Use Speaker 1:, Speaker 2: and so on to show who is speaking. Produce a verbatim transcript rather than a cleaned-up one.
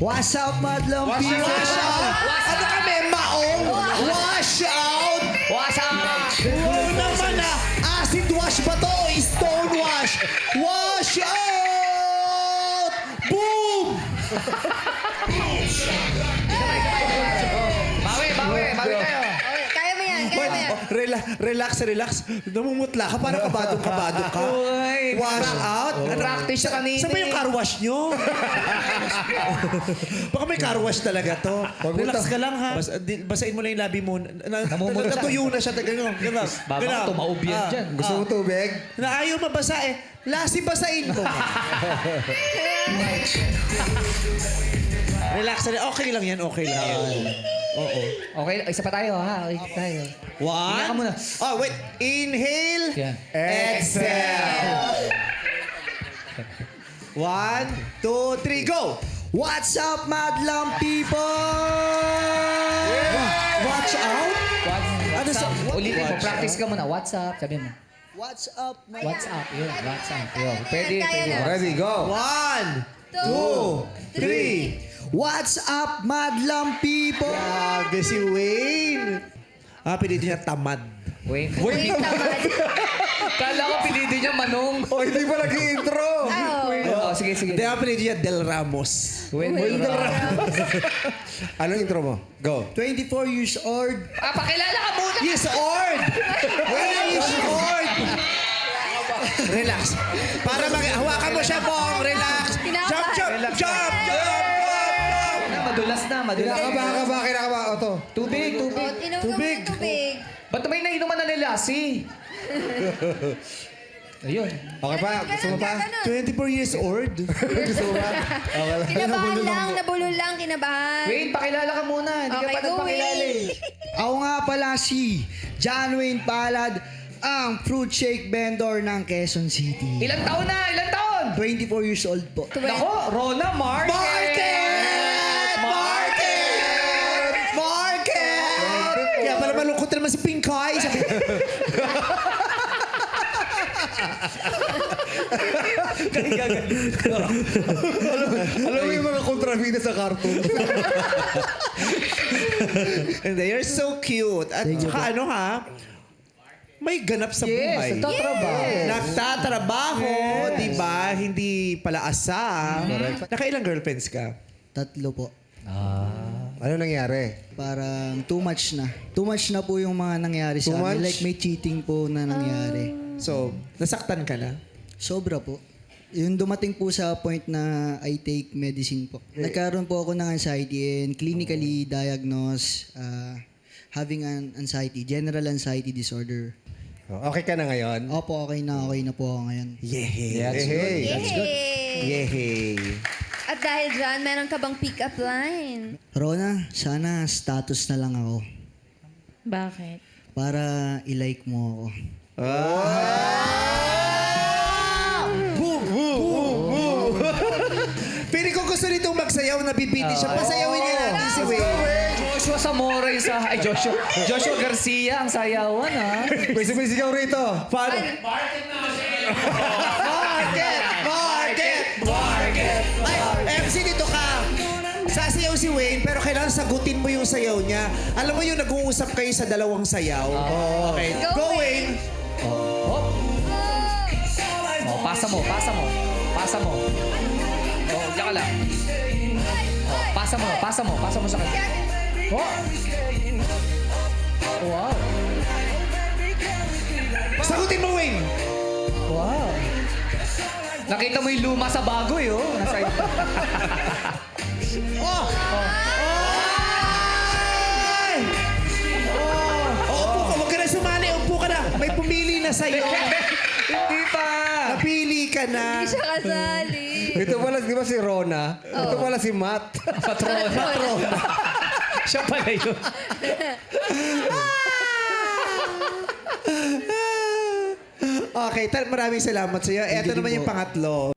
Speaker 1: What's up, madlang
Speaker 2: Wash
Speaker 1: people?
Speaker 2: out!
Speaker 1: Wash out! Ano kami, maong? Wash out!
Speaker 3: Wash out!
Speaker 1: Oo naman ah! Acid wash ba to? Stone wash! Wash out! Boom!
Speaker 3: Bawi, bawi, bawi tayo.
Speaker 4: Okay, kaya mo yan, kaya mo yan.
Speaker 1: Oh, rela- relax, relax. Namumutla ka, parang kabadong-kabado ka.
Speaker 3: Uy,
Speaker 1: Wash out?
Speaker 3: Practice siya kanina.
Speaker 1: Saan ba yung car wash nyo? Baka may car wash talaga to. Relax ka lang ha. Bas, di, basain mo lang yung labi mo. Na,
Speaker 3: Namumutla.
Speaker 1: Natuyo na siya. Ganun, ganun.
Speaker 3: Baba
Speaker 1: ganun.
Speaker 3: ka, tumaob yan
Speaker 1: Ah,
Speaker 3: dyan.
Speaker 2: Gusto mo tubig?
Speaker 1: Na ayaw mabasa eh. Lasi basain ko. Relax na rin. Okay lang yan, okay lang yan. Oo.
Speaker 3: Okay, isa pa tayo ha. Okay tayo.
Speaker 1: One.
Speaker 3: Hinga ka muna.
Speaker 1: Oh, wait. Inhale.
Speaker 3: Yan.
Speaker 1: Exhale. One, two, three, go! What's up, madlang people? Watch out?
Speaker 3: What's,
Speaker 1: Ano
Speaker 3: what's
Speaker 1: sa-
Speaker 3: up?
Speaker 1: what-
Speaker 3: Ulitin mo,
Speaker 1: watch
Speaker 3: practice ka muna. What's up? Sabi mo.
Speaker 1: What's up, my...
Speaker 3: What's up? Yun, what's up? Yun. Pwede,
Speaker 4: Kaya
Speaker 3: pwede.
Speaker 4: na.
Speaker 2: Ready, go!
Speaker 1: One, two, three. What's up, madlang people? Grabe si Wayne. Ah, pinili niya tamad.
Speaker 3: Wait.
Speaker 4: Wait, tamad.
Speaker 3: Kala ko pinili niya Manong.
Speaker 2: Oh, hindi pa nag-intro!
Speaker 4: Oh.
Speaker 3: Oh, sige, sige.
Speaker 1: Hindi, ang pinili niya Del Ramos.
Speaker 3: Wait, wait.
Speaker 2: Anong intro mo? Go!
Speaker 1: twenty-four years old.
Speaker 3: Ah, pakilala ka muna.
Speaker 1: Yes, old! Wayne is old! Relax. Para mag... Hawakan mo siya, Bong. Relax.
Speaker 4: Kinakabahan.
Speaker 1: Jump, jump, jump, jump, jump,
Speaker 3: Na, madulas na, madulas.
Speaker 2: Kinakaba ka ba? Kinakaba ka to.
Speaker 3: Tubig, tubig.
Speaker 4: Oh, inom ka
Speaker 1: Tubig.
Speaker 4: muna tubig.
Speaker 3: Ba't may nainuman na nila? Si. Ayun.
Speaker 2: Okay pa? Gusto mo pa?
Speaker 1: twenty-four years old.
Speaker 2: Gusto mo pa? Okay lang.
Speaker 4: Kinabahan lang, nabulol lang, kinabahan.
Speaker 3: Wait, pakilala ka muna. Hindi
Speaker 4: Okay,
Speaker 3: ka pa
Speaker 4: go,
Speaker 3: nagpakilala
Speaker 4: Wayne.
Speaker 3: eh.
Speaker 5: Ako nga pala si John Wayne Palad, ang fruit shake vendor ng Quezon City.
Speaker 3: Ilang taon na? Ilang taon?
Speaker 5: twenty-four years old po.
Speaker 3: Nako, Rona Market!
Speaker 1: Market! Market! Market! Kaya pala malungkot na naman si Pinkay. Sabi,
Speaker 2: Alam mo yung mga kontrabida sa cartoon?
Speaker 1: Hindi, you're so cute. At saka ano ha, may ganap sa
Speaker 3: Yes,
Speaker 1: buhay.
Speaker 3: nagtatrabaho.
Speaker 1: Nagtatrabaho, di ba? Hindi pala asa. Nakailang girlfriends ka?
Speaker 5: Tatlo po.
Speaker 2: Ano nangyari?
Speaker 5: Parang too much na. Too much na po yung mga nangyari
Speaker 2: Too
Speaker 5: sa amin.
Speaker 2: much?
Speaker 5: Like may cheating po na nangyari.
Speaker 1: So, nasaktan ka na?
Speaker 5: Sobra po. Yung dumating po sa point na I take medicine po. Nagkaroon po ako ng anxiety and clinically diagnosed uh, having an anxiety, general anxiety disorder.
Speaker 2: Oh, okay ka na ngayon?
Speaker 5: Opo, okay na, okay na po ako ngayon.
Speaker 1: Yehey.
Speaker 2: Hey, hey.
Speaker 4: Yay!
Speaker 1: Yehey.
Speaker 4: At dahil dyan, meron ka bang pick-up line?
Speaker 5: Rona, sana status na lang ako
Speaker 4: Bakit?
Speaker 5: para i-like mo ako.
Speaker 1: Boom! Boom! Boom! Pili ko gusto nitong magsayaw na bibiti siya. Pasayawin niya natin si Wayne.
Speaker 3: Joshua Zamora yung sa... Ay, Joshua. Joshua Garcia ang sayawan, ha?
Speaker 2: May sumisigaw rito.
Speaker 1: Paano? Market! Market! Market! Ay, M C, dito ka. Sasayaw si Wayne, pero kailangan sagutin mo yung sayaw niya. Alam mo yung nag-uusap kayo sa dalawang sayaw? Okay.
Speaker 4: Go,
Speaker 1: Go, Wayne!
Speaker 3: Hop. Oh, pasa mo, pasa mo. Pasa mo. Oh, diyan ka lang. Oh, pasa mo, pasa mo, pasa mo sa kanya. Oh. Wow.
Speaker 1: Sagutin mo, Wayne!
Speaker 3: Wow. Nakita mo yung luma sa bagoy, oh. Nasa
Speaker 1: Oh! Ay! Oh! Upo ka, huwag ka na sumali. Upo ka na. May pumili na sa'yo.
Speaker 3: Hindi pa.
Speaker 1: Napili ka na.
Speaker 4: Hindi siya kasali.
Speaker 2: Ito pala, di ba si Rona? Ito pala si Matt.
Speaker 3: Patrona. Patrona. Siya pala yun.
Speaker 1: Okay, tal maraming salamat sa iyo. Ito naman yung pangatlo.